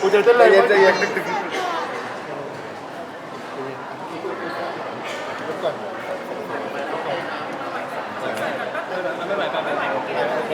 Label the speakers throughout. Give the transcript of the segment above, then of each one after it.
Speaker 1: กูจะเลย
Speaker 2: ใจเย็นตึกก่อน
Speaker 1: ไม่ไหวโอเค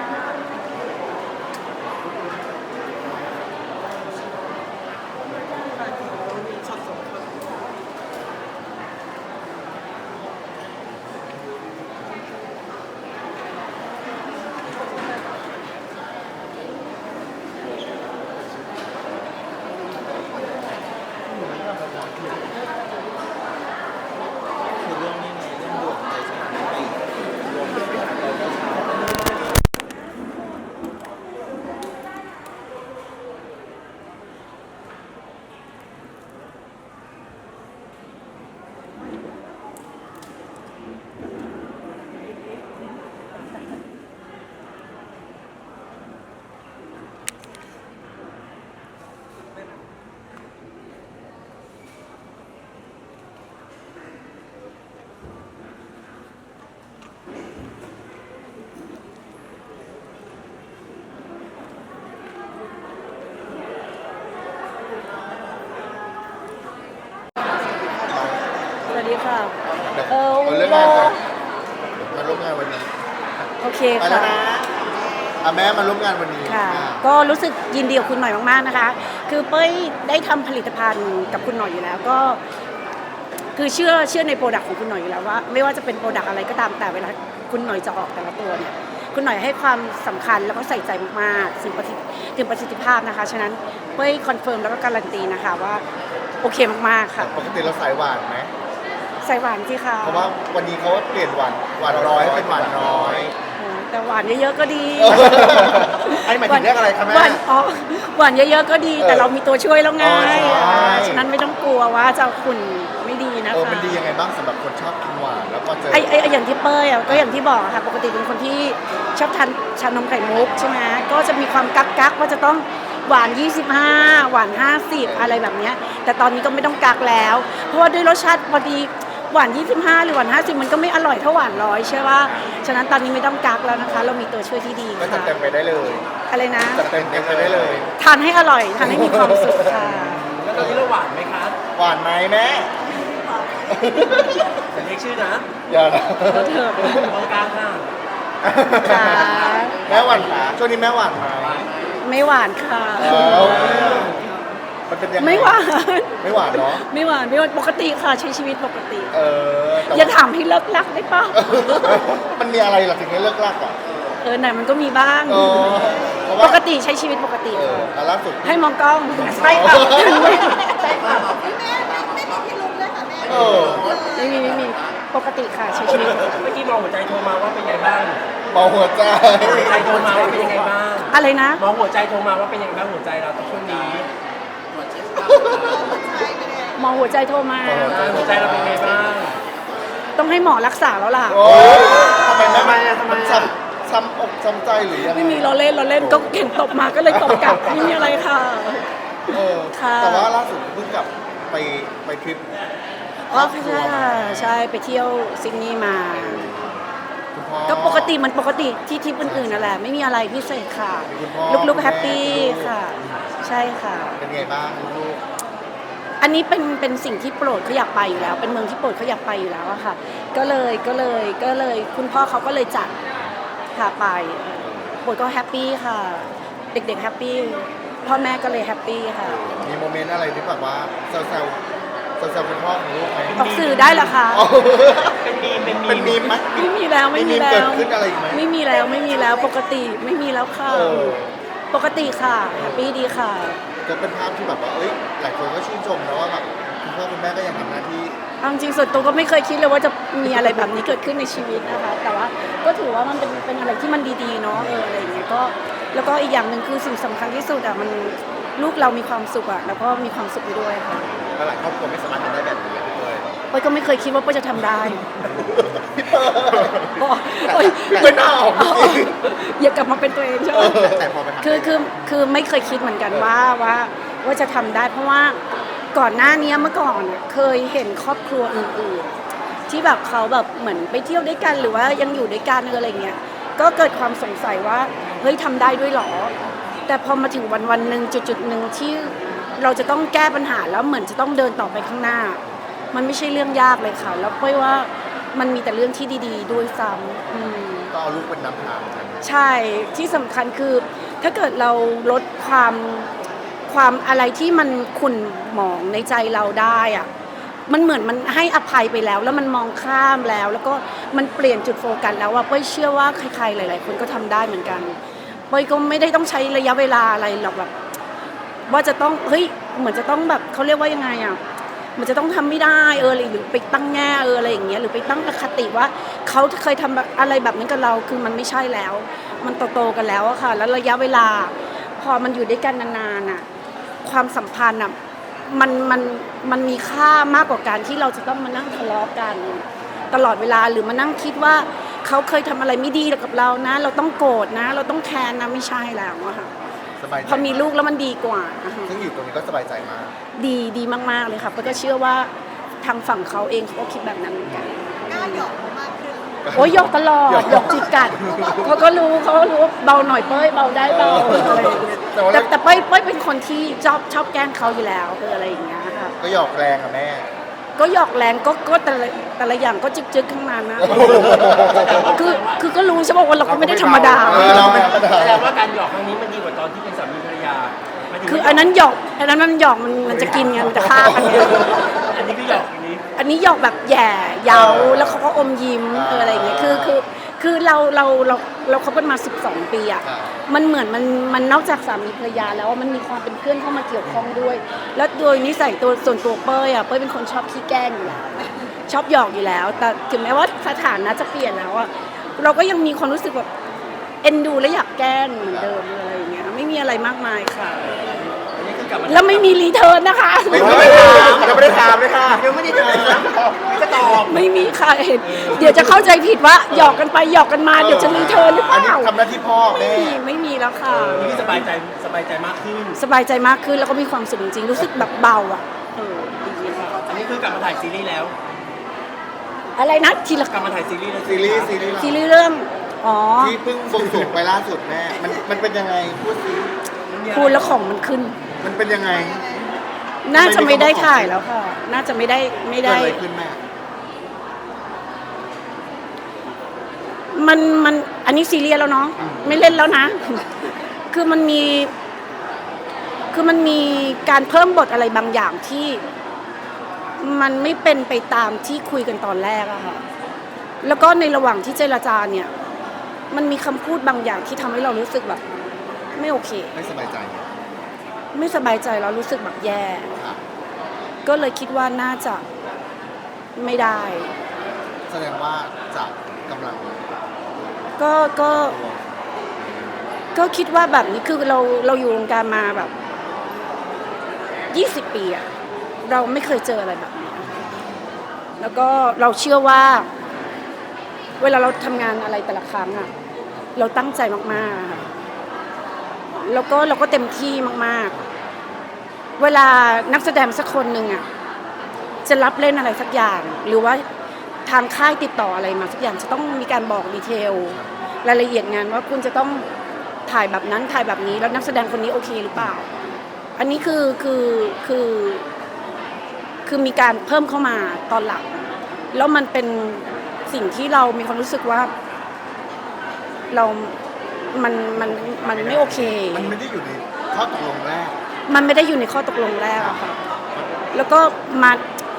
Speaker 3: สวัสดีค่ะ
Speaker 2: เอาเรื่องงานก่อนมาร่วมงานวันนี้
Speaker 3: โอเค
Speaker 2: ไปแล้ว
Speaker 3: ค่ะ
Speaker 2: นะแม่มาร่วมงานวันนี้
Speaker 3: ค่ะก็รู้สึกยินดีกับคุณหน่อยมากๆนะคะคือเป้ยได้ทำผลิตภัณฑ์กับคุณหน่อยอยู่แล้วก็คือเชื่อในโปรดักต์ของคุณหน่อยอยู่แล้วว่าไม่ว่าจะเป็นโปรดักต์อะไรก็ตามแต่เวลาคุณหน่อยจะออกแต่ละตัวเนี่ยคุณหน่อยให้ความสำคัญแล้วก็ใส่ใจมากๆถึงประสิทธิภาพนะคะฉะนั้นเป้ยคอนเฟิร์มแล้วก็การันตีนะคะว่าโอเคมากๆค่ะ
Speaker 2: ปกติเราสายหวานไหม
Speaker 3: ใส่หวานสิคะ
Speaker 2: เพราะว่าวันนี้เขาเปลี่ยนหวานน้อยให้เป็นหวานน้อย
Speaker 3: แต่หวานเยอะๆก็ดี
Speaker 2: ไอ้หมายถึงเรื่องอะไรคะแม่
Speaker 3: หวานเยอะๆก็ดีแต่เรามีตัวช่วยแล้วไงฉะนั้นไม่ต้องกลัวว่าจะขุ่นไม่ดีนะคะ
Speaker 2: มันดียังไงบ้างสำหรับคนชอบกินหวานแล้วก็เจอ
Speaker 3: อย่างที่เป้ยก็อย่างที่บอกค่ะปกติเป็นคนที่ชอบทานชานมไข่มุกใช่ไหมก็จะมีความกักว่าจะต้องหวาน25หวาน50อะไรแบบนี้แต่ตอนนี้ก็ไม่ต้องกักแล้วเพราะว่าด้วยรสชาติพอดีหวาน25หรือหวาน50มันก็ไม่อร่อยเท่าหวาน100ใช่ป่ะฉะนั้นตอนนี้ไม่ต้องกักแล้วนะคะเรามีตัวช่วยที่ดี
Speaker 2: ก็
Speaker 3: ค่ะ
Speaker 2: จัดเต็มไปได้เลย
Speaker 3: อะไรนะ
Speaker 2: จัดเต็มไปได้เลย
Speaker 3: ทานให้อร่อยทานให้มีความสุขค่ะ
Speaker 1: แล้วตอนนี้เราหวานไหมคะ
Speaker 2: หวานไหมแม่
Speaker 1: แต่เรียกชื่อนะ
Speaker 2: อย่า
Speaker 3: เราเถอะ
Speaker 1: ตรงกลางค่ะ
Speaker 2: แม่หวานค่ะช่วงนี้แม่หวานไหม
Speaker 3: ไม่หวานค่ะ
Speaker 2: มันเป็นยังไง
Speaker 3: ไม่หวาน
Speaker 2: เนาะ
Speaker 3: ไม่หวานปกติค่ะใช้ชีวิตปกติ
Speaker 2: อ
Speaker 3: อย่าถามให้เลิกรักได้ป่ะ
Speaker 2: มันมีอะไรหรอถึงให้เลิกรักอ่ะ
Speaker 3: ไหนมันก็มีบ้างปกติใช้ชีวิตปกติ
Speaker 2: ค่ะล่าสุด
Speaker 3: ให้มองกล้องใช่ค่ะใช่ค่ะไม่มีปกติค่ะใช้ชีวิต
Speaker 1: เมื่อกี้มองหัวใจโทรมาว่าเป็นยังไงบ้าง
Speaker 2: มองหัวใจ
Speaker 1: โทรมาว่าเป็นยังไงบ้าง
Speaker 3: อะไรนะ
Speaker 1: มองหัวใจโทรมาว่าเป็นยังไงบ้างหัวใจเราตอนช่วงนี้
Speaker 3: มองหัวใจโทรมา
Speaker 1: หัวใจเราเป็นยังไงบ้าง
Speaker 3: ต้องให้หมอรักษาแล้วล่ะ
Speaker 2: ทำไมช้ำอกช้ำใจหรือยัง
Speaker 3: ไม่มีเราเล่นก็เห็นตบมาก็เลยตบกลับไม่มีอะไรค่ะ
Speaker 2: แต่ว่าล่าสุดเพิ่งกลับไปทริป
Speaker 3: ใช่ไปเที่ยวซิดนีย์มาก็ปกติมันปกติที่ทริปอื่นๆนั่นแหละไม่มีอะไรพิเศษค่ะลูกแฮปปี้ค่ะใช่ค่ะ
Speaker 2: เป็นไงบ้างลูก
Speaker 3: อันนี้เป็นสิ่งที่โปรดเขาอยากไปอยู่แล้วเป็นเมืองที่โปรดเขาอยากไปอยู่แล้วอะค่ะก็เลยคุณพ่อเขาก็เลยจัดพาไปโปรดก็แฮปปี้ค่ะเด็กๆแฮปปี้พ่อแม่ก็เลยแฮปปี้ค่ะ
Speaker 2: มีโมเมนต์อะไรที่แบบว่าแซวคุณพ่อของลูกไหม
Speaker 3: ออกสื่อได้เหรอคะ
Speaker 2: เป็นมีมไหม
Speaker 3: ไม่มีแล้ว
Speaker 2: เกิดขึ้นอะไรอีกไหม
Speaker 3: ไม่มีแล้วปกติไม่มีแล้วค่ะปกติค่ะแฮปปี้ดีค่ะ
Speaker 2: จะเป็นภาพที่แบบว่าหลายคนก็ชื่นชมนะว่าแบบคุณพ่อคุณแม่ก็ยังทำหน้าที่
Speaker 3: จริงส่วนตัวก็ไม่เคยคิดเลยว่าจะมีอะไรแบบนี้เกิดขึ้นในชีวิตนะคะแต่ว่าก็ถือว่ามันเป็นอะไรที่มันดีๆเนาะอะไรอย่างเงี้ยก็แล้วก็อีกอย่างหนึ่งคือสิ่งสำคัญที่สุดมันลูกเรามีความสุขแล้วก็มีความสุขไปด้วยค่ะ
Speaker 2: หลายครอบครัวไม่สามารถทำได้แบบนี้พี่เป้ย
Speaker 3: เป้ยก็ไม่เคยคิดว่าเป้ยจะทำได้
Speaker 2: พี่เป้ยเป็นหน้าออก
Speaker 3: อย่ากลับมาเป็นตัวเองใช่ไหมคือไม่เคยคิดเหมือนกันว่าจะทำได้เพราะว่าก่อนหน้านี้เมื่อก่อนเคยเห็นครอบครัวอื่นๆที่แบบเขาแบบเหมือนไปเที่ยวด้วยกันหรือว่ายังอยู่ด้วยกันอะไรเงี้ยก็เกิดความสงสัยว่าเฮ้ยทำได้ด้วยหรอแต่พอมาถึงวันหนึ่งจุดหนึ่งที่เราจะต้องแก้ปัญหาแล้วเหมือนจะต้องเดินต่อไปข้างหน้า มันไม่ใช่เรื่องยากเลยค่ะแล้วเป้ยว่ามันมีแต่เรื่องที่ดีๆด้วยซ้ำ
Speaker 2: ก็เอาลูกเป็นนำทางกัน
Speaker 3: ใช่ที่สำคัญคือถ้าเกิดเราลดความอะไรที่มันขุ่นหมองในใจเราได้อะมันเหมือนมันให้อภัยไปแล้วแล้วมันมองข้ามแล้วก็มันเปลี่ยนจุดโฟกัสแล้วว่าเป้ยเชื่อว่าใครๆหลายๆคนก็ทำได้เหมือนกันเป้ยก็ไม่ได้ต้องใช้ระยะเวลาอะไรหรอกแบบว่าจะต้องเฮ้ยเหมือนจะต้องแบบเขาเรียกว่ายังไงอ่ะมันจะต้องทำไม่ได้หรือไปตั้งแง่อะไรอย่างเงี้ยหรือไปตั้งอคติว่าเขาเคยทำแบบอะไรแบบนี้กับเราคือมันไม่ใช่แล้ว มันโตๆกันแล้วอะค่ะแล้วระยะเวลาพอมันอยู่ด้วยกันนานๆอะความสัมพันธ์อะมันมีค่ามากกว่าการที่เราจะต้องมานั่งทะเลาะกันตลอดเวลาหรือมานั่งคิดว่าเขาเคยทำอะไรไม่ดีกับเรานะเราต้องโกรธนะเราต้องแค้นนะไม่ใช่แล้วอะค่ะ
Speaker 2: สบายใจ
Speaker 3: พอมีลูกแล้วมันดีกว่าอะค่ะ
Speaker 2: ซึ่งอยู่ตรงนี้ก็สบายใจมาก
Speaker 3: ดีมากๆเลยค่ะแล้วก็เชื่อว่าทางฝั่งเขาเองเขาก็คิดแบบนั้นเหมือนกัน
Speaker 4: กล้าหยอกเขามากขึ้น
Speaker 3: โอ้ยหยอกตลอดหยอกจิกกัดเขาก็รู้ว่าเบาหน่อยเป้ยเบาได้เบาอะไรอย่างเงี้ยแต่เป้ยเป็นคนที่ชอบแกล้งเขาอยู่แล้วอะไรอย่างเงี้ยค่ะ
Speaker 2: ก็หยอกแรงอะแม่
Speaker 3: ก็หยอกแรงก็แต่ละอย่างก็จึกๆข้างในนะคือก็รู้ใช่ป่ะว่าเราก็ไม่ได้ธรรมดา
Speaker 2: เราไม่ธรรมดา
Speaker 1: แสดงว่าการหยอกครั้งนี้มันดีกว่าตอนที่เป็นสามีภรรยาหมายถึง
Speaker 3: คืออันนั้นหยอกมันจะกินไงมันจะฆ่ากันไง
Speaker 1: อันนี้คือหยอกอันนี้
Speaker 3: อันนี้หยอกแบบแย่เย้าแล้วเขาก็อมยิ้มอะไรอย่างเงี้ยคือเราคบกันมา12 ปีอ่ะมันเหมือนมันนอกจากสามีภรรยาแล้วมันมีความเป็นเพื่อนเข้ามาเกี่ยวข้องด้วย แล้วโดยนิสัยตัวส่วนตัวเป้ยอ่ะเป้ยเป็นคนชอบขี้แกล้งอยู่แล้วชอบหยอกอยู่แล้ว แต่ถึงแม้ว่าสถานะจะเปลี่ยนแล้วอ่ะเราก็ยังมีความรู้สึกแบบเอ็นดูและอยากแกล้งเหมือนเดิมอะไรอย่างเงี้ยไม่มีอะไรมากมายค่ะ
Speaker 1: อันนี้คือกลับมา
Speaker 3: แล้วไม่มีรีเทิร์นนะคะ
Speaker 2: ไม่ได้ถามเลยค่ะ
Speaker 1: ยังไม่ได้ถามจะตอบ
Speaker 3: ไม่มีค่ะเห็นเดี๋ยวจะเข้าใจผิดว่าหยอกกันไปหยอกกันมาเดี๋ยวจะรีเทิร์นหรือเป
Speaker 2: อันนี้
Speaker 3: ล่า
Speaker 2: ทำหน้าที่พ่อแม่
Speaker 3: ไม่มีแล้วค่ะ
Speaker 1: นี่สบายใจมากขึ้น
Speaker 3: สบายใจมากขึ้นแล้วก็มีความสุขจริงๆรู้สึกแบบเบาอ่ะดีค่ะ
Speaker 1: อันนี้คือกลับมาถ่ายซีรีส์แล้ว
Speaker 3: อะไรนะทีละ
Speaker 1: กลับมาถ่ายซีรีส์แล้ว
Speaker 2: ซีรีส์
Speaker 3: ซีรีส์เรื่องอ๋อ
Speaker 2: ที่เพิ่งบวงสรวงไปล่าสุดแม่มันเป็นยังไงพูดสิ
Speaker 3: พูดแล้วของมันขึ้น
Speaker 2: มันเป็นยังไง
Speaker 3: น่าจะไม่ได้ถ่ายแล้วค่ะ น่าจะไม่ได้
Speaker 2: เกิดอะไรขึ้นแม่
Speaker 3: มันอันนี้ซีเรียสแล้วเนาะไม่เล่นแล้วนะ คือมันมีการเพิ่มบทอะไรบางอย่างที่ มันไม่เป็นไปตามที่คุยกันตอนแรกอะค่ะแล้วก็ในระหว่างที่เจรจาเนี่ย มันมีคำพูดบางอย่างที่ทำให้เรารู้สึกแบบ ไม่โอเค
Speaker 2: ไม่สบายใจ
Speaker 3: ไม่สบายใจแล้วรู้สึกแบบแย่
Speaker 2: ครับ
Speaker 3: ก็เลยคิดว่าน่าจะไม่ได้
Speaker 2: แสดงว่าจะกำลัง
Speaker 3: ก็คิดว่าแบบนี้คือเราอยู่วงการมาแบบ20 ปีอะเราไม่เคยเจออะไรแบบนี้แล้วก็เราเชื่อว่า เวลาเราทำงานอะไรแต่ละครั้งอะเราตั้งใจมากๆค่ะแล้วก็เราก็เต็มที่มากๆ เวลานักแสดงสักคนหนึ่งอะจะรับเล่นอะไรสักอย่าง หรือว่าทางค่ายติดต่ออะไรมาสักอย่างจะต้องมีการบอกดีเทลรายละเอียดงานว่าคุณจะต้องถ่ายแบบนั้นถ่ายแบบนี้แล้วนักแสดงคนนี้โอเคหรือเปล่า อันนี้คือมีการเพิ่มเข้ามาตอนหลังแล้วมันเป็นสิ่งที่เรามีความรู้สึกว่าเรามันไม่โอเค
Speaker 2: มันไม่ได้อยู่ในข้อตกลงแรก
Speaker 3: มันไม่ได้อยู่ในข้อตกลงแรกอะค่ะแล้วก็มา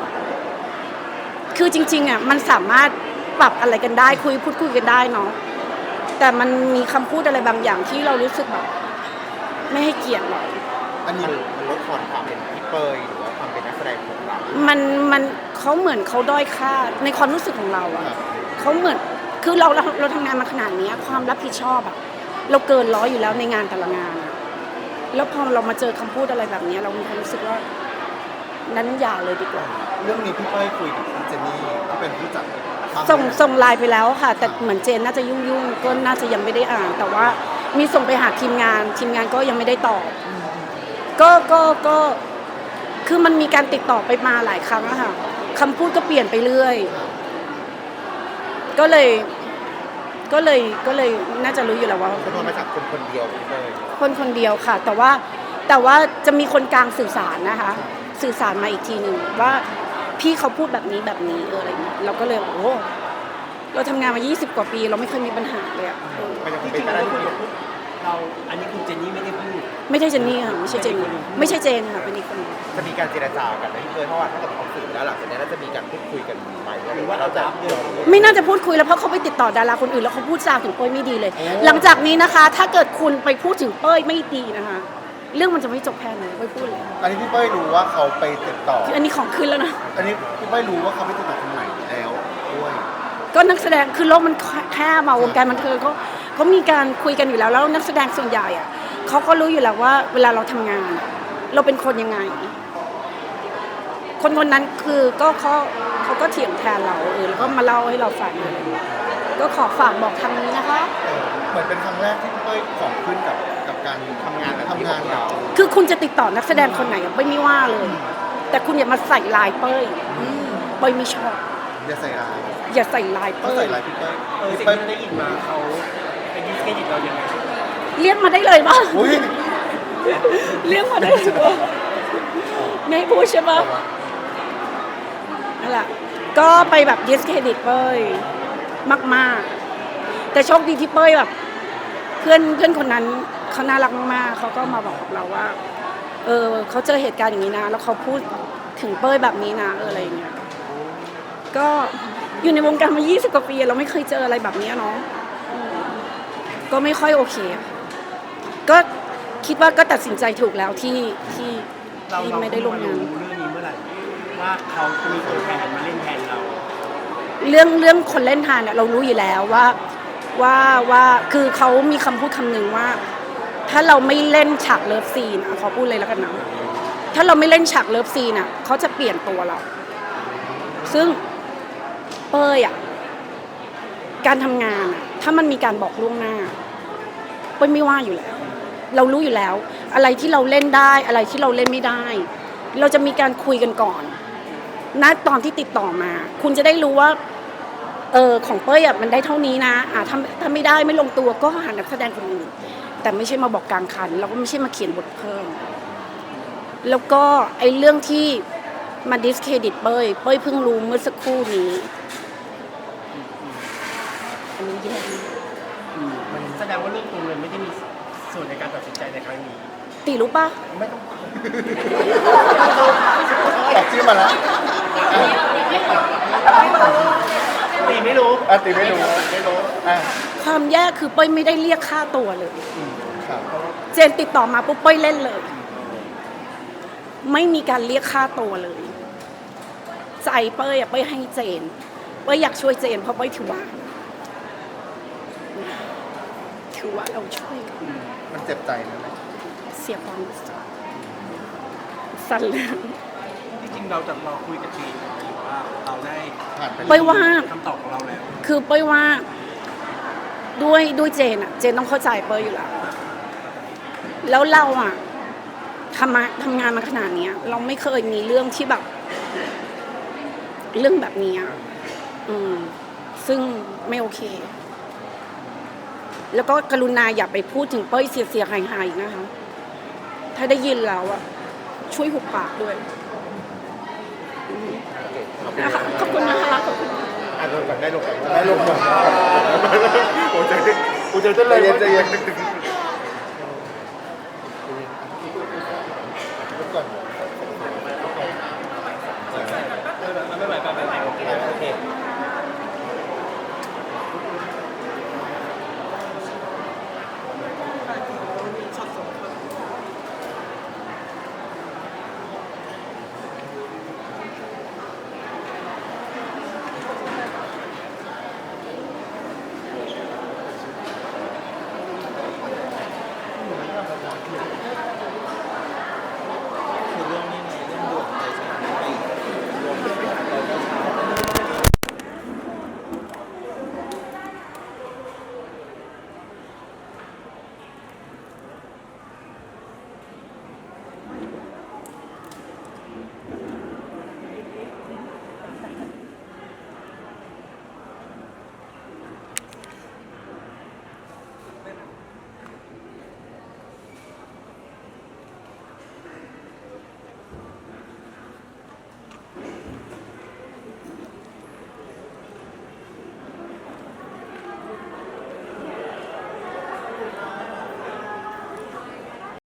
Speaker 3: คือจริงๆอะมันสามารถปรับอะไรกันได้พูดคุยกันได้เนาะแต่มันมีคำพูดอะไรบางอย่างที่เรารู้สึกแบบไม่ให้เกียรติเรา
Speaker 2: อันนี้ลดทอนความเป็นพี่เปยหรือว่าความเป็นนักแสดงของเรา
Speaker 3: มันเขาเหมือนเขาด้อยค่าในความรู้สึกของเราอะ
Speaker 2: ครับ
Speaker 3: เขาเหมือนคือเราทำงานมาขนาดนี้ความรับผิดชอบอะเราเกินร้อยอยู่แล้วในงานแต่ละงานอะแล้วพอเรามาเจอคำพูดอะไรแบบนี้เรามีความรู้สึกว่านั้นอย่าเลยดีกว่า
Speaker 2: เรื่องนี้พี่เป้ยคุยกับพี่เจนนี่ก็เป็นผู้จัดทำ
Speaker 3: ส่งไลน์ไปแล้วค่ะ แต่เหมือนเจนน่าจะยุ่งก็น่าจะยังไม่ได้อ่าน แต่ว่ามีส่งไปหาทีมงานก็ยังไม่ได้ตอบก็คือมันมีการติดต่อไปมาหลายครั้งอะค่ะคำพูดก็เปลี่ยนไปเรื่อยก็เลยก็เลยน่าจะรู้อยู่แล้วว่า
Speaker 2: เป็นมาจากคนคนเดียวเลย
Speaker 3: คนเดียวค่ะ แต่ว่าจะมีคนกลางสื่อสารนะคะ สื่อสารมาอีกทีหนึ่งว่าพี่เขาพูดแบบนี้อะไรเงี้ยเราก็เลยโอ้เราทำงานมา20 กว่าปี เราไม่เคยมีปัญหาเลยอะ
Speaker 2: มันยัง
Speaker 1: จ
Speaker 2: เป็
Speaker 1: ริ
Speaker 2: น
Speaker 1: ง
Speaker 2: ไป
Speaker 1: ๆ
Speaker 2: ได้
Speaker 1: เรา
Speaker 2: ทุ
Speaker 1: คุ
Speaker 2: ก
Speaker 1: ย
Speaker 2: อ
Speaker 1: กั
Speaker 2: ย่า
Speaker 1: บ
Speaker 2: ง
Speaker 1: เราอันนี้คุณเจนนี่ไม่ได้พูด
Speaker 3: ไม่ใช่เจนนี่ค่ะไม่ใช่เจนไม่ใช่เจนค่ะเป็นอีกคนหนึ่ง
Speaker 2: จะมีการเจรจากันไหมพี่เป้ยเพราะว่าถ้าเกิดเขาสื่อแล้วหลังจากนี้น่าจะมีการพูดคุยกันไหม
Speaker 1: หรือว่าเราจะอัพเดท
Speaker 3: ไม่น่าจะพูดคุยแล้วเพราะเขาไปติดต่อดาราคนอื่นแล้วเขาพูดจาถึงเป้ยไม่ดีเลย หลังจากนี้นะคะ ถ้าเกิดคุณไปพูดถึงเป้ยไม่ดีนะคะ เรื่องมันจะไม่จบแค่นี้เป้ยพูดเลย
Speaker 2: อันนี้พี่เป้ยรู้ว่าเขาไปติดต่อ
Speaker 3: คืออันนี้ของขึ้นแล้วนะ
Speaker 2: อันนี้พี่เป้ยรู้ว่าเขาไปติดต่อคนไหนแล้วด้วย
Speaker 3: ก็นักแสดงคือโลกมันแคบมาวงการบันเทิงเขามีการคุยกันอยู่แล้วแล้วนักแสดงส่วนใหญ่อะเขาก็รู้อยู่แล้วว่าเวลาเราทำงานอะเราเป็นคนยังไง คนนั้นคือก็เขาก็เถียงแทนเราแล้วก็มาเล่าให้เราฟังอะไรอย่างเงี้ยก็ขอฝากบอกทางนี้นะคะ
Speaker 2: เหมือนเป็นครั้งแรกที่พี่เป้ยของขึ้นกับการทำงานเรา
Speaker 3: คือคุณจะติดต่อนักแสดงคนไหนอะเป้ยไม่ว่าเลย แต่คุณอย่ามาใส่ลายเป้ยเป้ยไม่ชอบ
Speaker 2: อย่าใส่ร้าย
Speaker 3: อย่าใส่ลาย
Speaker 2: เขา
Speaker 3: เป้
Speaker 2: ใส่
Speaker 3: ย
Speaker 2: ร้ายพี่เป้ย
Speaker 1: สิ่ง
Speaker 2: พี่เป้ย
Speaker 1: ที่ได้ยินมาเขาเป็นดิสเครดิตเรายังไง
Speaker 3: เรียกมาได้เลยป่ะ
Speaker 2: อุ้ย
Speaker 3: เรียกมาได้เลยป่ะไม่ให้พูดใช่ป่ะนั่นแหละก็ไปแบบดิสเครดิตเป้ยมากๆแต่โชคดีที่เป้ยแบบเพื่อนคนนั้นเขาน่ารักมากเขาก็มาบอกกับเราว่าเขาเจอเหตุการณ์อย่างนี้นะแล้วเขาพูดถึงเป้ยแบบนี้นะอะไรอย่างเงี้ยก็อยู่ในวงการมา20 กว่าปีเราไม่เคยเจออะไรแบบนี้เนาะก็ไม่ค่อยโอเคอะก็คิดว่าก็ตัดสินใจถูกแล้วที่ไม่ได้ร่วมงาน
Speaker 1: เรื่องนี้เมื่อไหร่ว่าเขาจะมีคนแทนมาเล่นแทนเรา
Speaker 3: เรื่องคนเล่นทานเนี่ยเรารู้อยู่แล้วว่าคือเขามีคำพูดคำหนึ่งว่า ถ้าเราไม่เล่นฉากเลิฟซีนขอพูดเลยแล้วกันนะถ้าเราไม่เล่นฉากเลิฟซีนเขาจะเปลี่ยนตัวเรา ซึ่งเป้ยการทำงานถ้ามันมีการบอกล่วงหน้าเป้ยไม่ว่าอยู่แล้ว เรารู้อยู่แล้ว อะไรที่เราเล่นได้อะไรที่เราเล่นไม่ได้ เราจะมีการคุยกันก่อนณตอนที่ติดต่อมา คุณจะได้รู้ว่าของเป้ยมันได้เท่านี้นะถ้าไม่ได้ไม่ลงตัวก็หานักแสดงคนอื่นแต่ไม่ใช่มาบอกกลางคันแล้วก็ไม่ใช่มาเขียนบทเพิ่มแล้วก็ไอ้เรื่องที่มาดิสเครดิตเป้ยเพิ่งรู้เมื่อสักครู่นี้อันนี้แย่
Speaker 1: มันแสดงว่าเรื่องตัวเงินไม่ได้มีส่วนในการตัดสินใจในครั้งนี้
Speaker 3: ตีรู้ป่ะ
Speaker 1: ไม่ต้อง
Speaker 2: ออกชื่อมาแล้ว
Speaker 1: ตีไม่รู้
Speaker 2: ตีไม่รู้อ่ะ
Speaker 3: ความแย่คือเป้ยไม่ได้เรียกค่าตัวเลย
Speaker 2: ครับ
Speaker 3: เจนติดต่อมาปุ๊บเป้ยเล่นเลย ไม่มีการเรียกค่าตัวเลย ใจเป้ยเป้ยให้เจนเป้ยอยากช่วยเจนเพราะเป้ยถือว่าเราช่วยกัน
Speaker 2: มันเจ็บใจนะ
Speaker 3: เสียความรู้สึกสั่นเลย
Speaker 1: จริงๆเราจะรอคุยกับทีมหรือว่าเราได้
Speaker 2: ผ่านไป
Speaker 3: เป้ยว่า
Speaker 1: คำตอบของเราแล้ว
Speaker 3: คือเป้ยว่าด้วยเจนเจนต้องเข้าใจเป้ยอยู่แล้วแล้วเราทำงานมาขนาดนี้เราไม่เคยมีเรื่องที่แบบเรื่องแบบนี้ซึ่งไม่โอเค แล้วก็กรุณาอย่าไปพูดถึงเป้ยเสียหายๆอีกนะคะถ้าได้ยินแล้วช่วยหุบปากด้วยนะคะขอบคุณนะคะขอบคุณ
Speaker 2: ลงก่อนได้ลงก่อนโอ้ใจเต้นเลยใจเย็นก่อน